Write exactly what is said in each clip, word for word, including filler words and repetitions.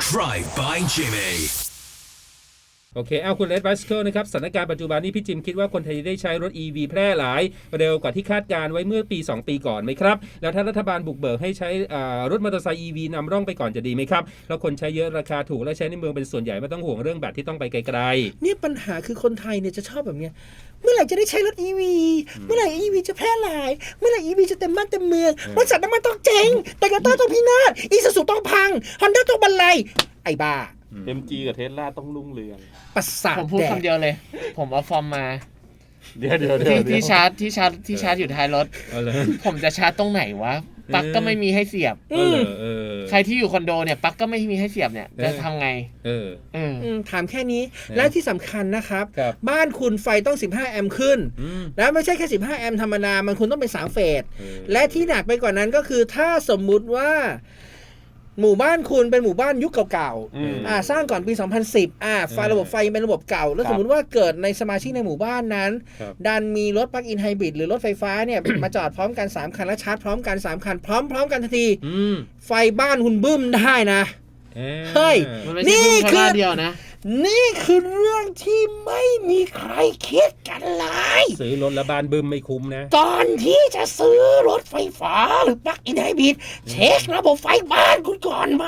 Drive by Jimmy โอเคเอาคุณเลดบัสเคิลนะครับสถานการณ์ปัจจุบันนี้พี่จิมคิดว่าคนไทยได้ใช้รถ อี วี แพร่หลายเร็วกว่าที่คาดการไว้เมื่อปีสองปีก่อนไหมครับแล้วถ้ารัฐบาลบุกเบิกให้ใช้รถมอเตอร์ไซค์ อี วี นำร่องไปก่อนจะดีไหมครับแล้วคนใช้เยอะราคาถูกและใช้ในเมืองเป็นส่วนใหญ่ไม่ต้องห่วงเรื่องแบตที่ต้องไปไกลๆนี่ปัญหาคือคนไทยเนี่ยจะชอบแบบเนี้ยเมื่อไหร่จะได้ใช้รถ อี วี เมื่อไหร่ อี วี จะแพร่หลายเมื่อไหร่ อี วี จะเต็มบ้านเต็มเมืองบริษัทน้ำมันต้องเจ๊งโตโยต้าต้องพินาศอีซูซูต้องพังฮอนด้าต้องบรรลัยไอ้บ้าเอ็ม จี กับเทสลาต้องรุ่งเรืองประสาทผมพูดคำเดียวเลยผมเอาฟอร์มมาเดี๋ยวเดี๋ยวที่ที่ชาร์จที่ชาร์จที่ชาร์จอยู่ท้ายรถผมจะชาร์จตรงไหนวะปลั๊กก็ไม่มีให้เสียบใครที่อยู่คอนโดเนี่ยปลั๊กก็ไม่มีให้เสียบเนี่ยจะทำไงเออถามแค่นี้และที่สำคัญนะครับบ้านคุณไฟต้องสิบห้าแอมป์ขึ้นแล้วไม่ใช่แค่สิบห้าแอมป์ธรรมดามันคุณต้องเป็นสามเฟสและที่หนักไปกว่านั้นก็คือถ้าสมมุติว่าหมู่บ้านคุณเป็นหมู่บ้านยุคเก่าๆอ่าสร้างก่อนปีสองพันสิบอ่าไฟระบบไฟเป็นระบบเก่าแล้วสมมุติว่าเกิดในสมาชิกในหมู่บ้านนั้นดันมีรถปลั๊กอินไฮบริดหรือรถไฟฟ้าเนี่ย มาจอดพร้อมกันสามคันและชาร์จพร้อมกันสามคันพร้อมๆกันทันทีไฟบ้านคุณบึ้มได้นะเฮ้ยนี่คือเดียวนะนี่คือเรื่องที่ไม่มีใครคิดกันเลยซื้อรถแล้วบ้านบึ้มไม่คุ้มนะก่อนที่จะซื้อรถไฟฟ้าหรือปลั๊กอินไฮบริดเช็คระบบไฟบ้านคุณก่อนไหม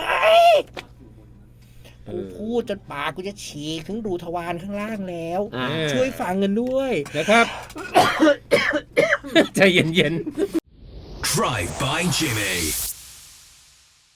กูพูดจนปากกูจะฉีกถึงรูทวารข้างล่างแล้วช่วยฟังกันด้วยนะครับ ใจเย็นๆ Drive by Jimmy